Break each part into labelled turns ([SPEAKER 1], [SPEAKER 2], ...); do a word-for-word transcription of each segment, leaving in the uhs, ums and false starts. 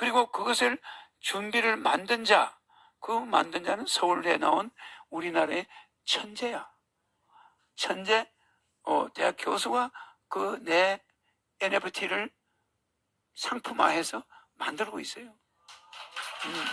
[SPEAKER 1] 그리고 그것을 준비를 만든 자, 그 만든 자는 서울대 나온 우리나라의 천재야. 천재 어, 대학 교수가 그 내 엔에프티를 상품화해서 만들고 있어요. 음.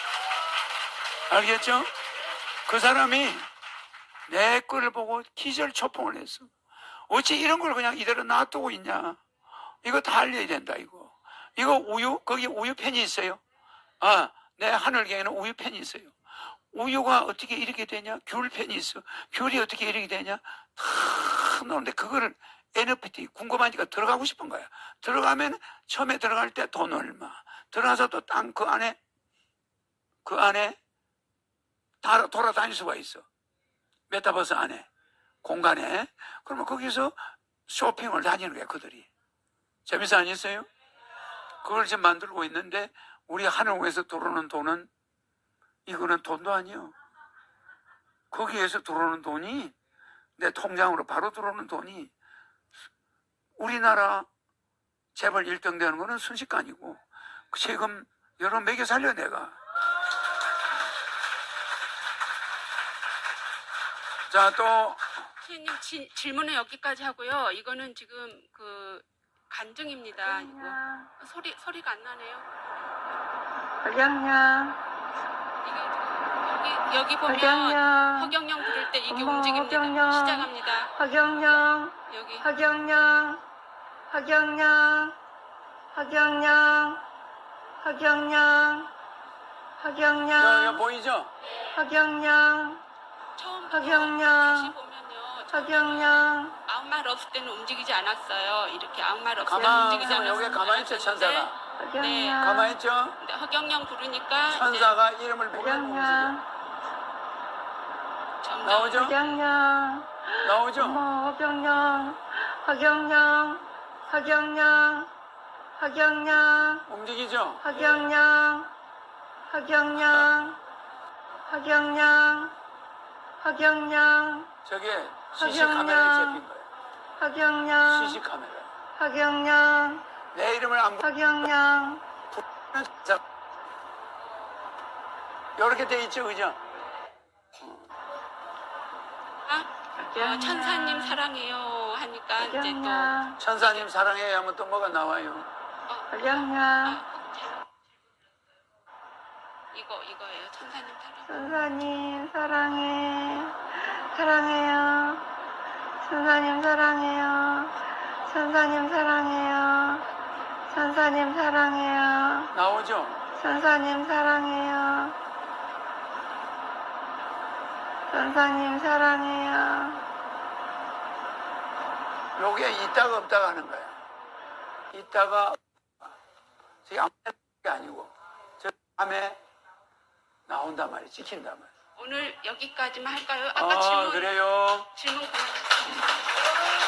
[SPEAKER 1] 알겠죠? 그 사람이 내 거를 보고 기절초풍을 했어. 어찌 이런 걸 그냥 이대로 놔두고 있냐. 이거 다 알려야 된다, 이거. 이거 우유, 거기 우유팬이 있어요. 아, 내 하늘경에는 우유팬이 있어요. 우유가 어떻게 이렇게 되냐? 귤팬이 있어. 귤이 어떻게 이렇게 되냐? 다 나오는데 그거를 엔에프티 궁금하니까 들어가고 싶은 거야. 들어가면 처음에 들어갈 때 돈 얼마. 들어가서 또 땅 그 안에 그 안에 다 돌아다닐 수가 있어. 메타버스 안에 공간에. 그러면 거기서 쇼핑을 다니는 거야, 그들이. 재밌어 아니었어요? 그걸 지금 만들고 있는데 우리 하늘공에서 들어오는 돈은 이거는 돈도 아니요. 거기에서 들어오는 돈이 내 통장으로 바로 들어오는 돈이 우리나라 재벌 일 등 되는 거는 순식간이고 세금 여러 매겨 살려 내가. 자, 또
[SPEAKER 2] 선생님 지, 질문은 여기까지 하고요. 이거는 지금 그 간증입니다. 이거 소리 소리가 안 나네요.
[SPEAKER 3] 허경영,
[SPEAKER 2] 이게 여기 여기 보면
[SPEAKER 3] 허경영,
[SPEAKER 2] 허경영 부를 때 이게
[SPEAKER 3] 어머,
[SPEAKER 2] 움직입니다.
[SPEAKER 3] 허경영.
[SPEAKER 2] 시작합니다.
[SPEAKER 3] 허경영,
[SPEAKER 2] 여기
[SPEAKER 3] 허경영, 허경영, 허경영, 허경영,
[SPEAKER 1] 여기
[SPEAKER 3] 허경영,
[SPEAKER 1] 보이죠?
[SPEAKER 3] 허경영,
[SPEAKER 2] 처음부터
[SPEAKER 3] 허경영.
[SPEAKER 2] 다시 보면요.
[SPEAKER 3] 허경영,
[SPEAKER 2] 아무 말 없을 때는 움직이지 않았어요. 이렇게 아무 말 없을 때는
[SPEAKER 1] 가만
[SPEAKER 2] 움직이지
[SPEAKER 1] 있으면
[SPEAKER 2] 않았어요.
[SPEAKER 1] 여기 가만히 있죠, 천사가.
[SPEAKER 3] 허경영,
[SPEAKER 1] 가만히 있죠?
[SPEAKER 2] 근데 허경영 부르니까
[SPEAKER 1] 천사가 이름을 부르고 움직여.
[SPEAKER 3] 허경영,
[SPEAKER 2] 점점
[SPEAKER 1] 나오죠?
[SPEAKER 3] 허경영,
[SPEAKER 1] 나오죠?
[SPEAKER 3] 어머, 허경영, 허경영, 허경영, 허경영,
[SPEAKER 1] 움직이죠?
[SPEAKER 3] 허경영, 허경영, 허경영, 허경영,
[SPEAKER 1] 저게 씨씨 카메라에 잡힌 거예요.
[SPEAKER 3] 허경영,
[SPEAKER 1] 씨씨 카메라.
[SPEAKER 3] 허경영,
[SPEAKER 1] 내 이름을 안
[SPEAKER 3] 허경영,
[SPEAKER 1] 부르는 자, 이렇게 돼 있죠, 그죠?
[SPEAKER 2] 어, 천사님 사랑해요 하니까 이제 또
[SPEAKER 3] 허경영,
[SPEAKER 1] 천사님 사랑해 하면 또 뭐가 나와요?
[SPEAKER 3] 허경영,
[SPEAKER 2] 아, 이거 이거예요. 천사님 사랑.
[SPEAKER 3] 천사님 사랑해, 사랑해요, 천사님 사랑해요, 천사님 사랑해요, 천사님 사랑해요,
[SPEAKER 1] 나오죠?
[SPEAKER 3] 천사님 사랑해요, 천사님 사랑해요.
[SPEAKER 1] 요게 있다가 없다가 하는 거야. 있다가 저기 아무 게 아니고 저 밤에 나온단 말이야. 찍힌단 말이야.
[SPEAKER 2] 오늘 여기까지만 할까요? 아까
[SPEAKER 1] 아,
[SPEAKER 2] 질문
[SPEAKER 1] 그래요?
[SPEAKER 2] 질문 그만했습니다.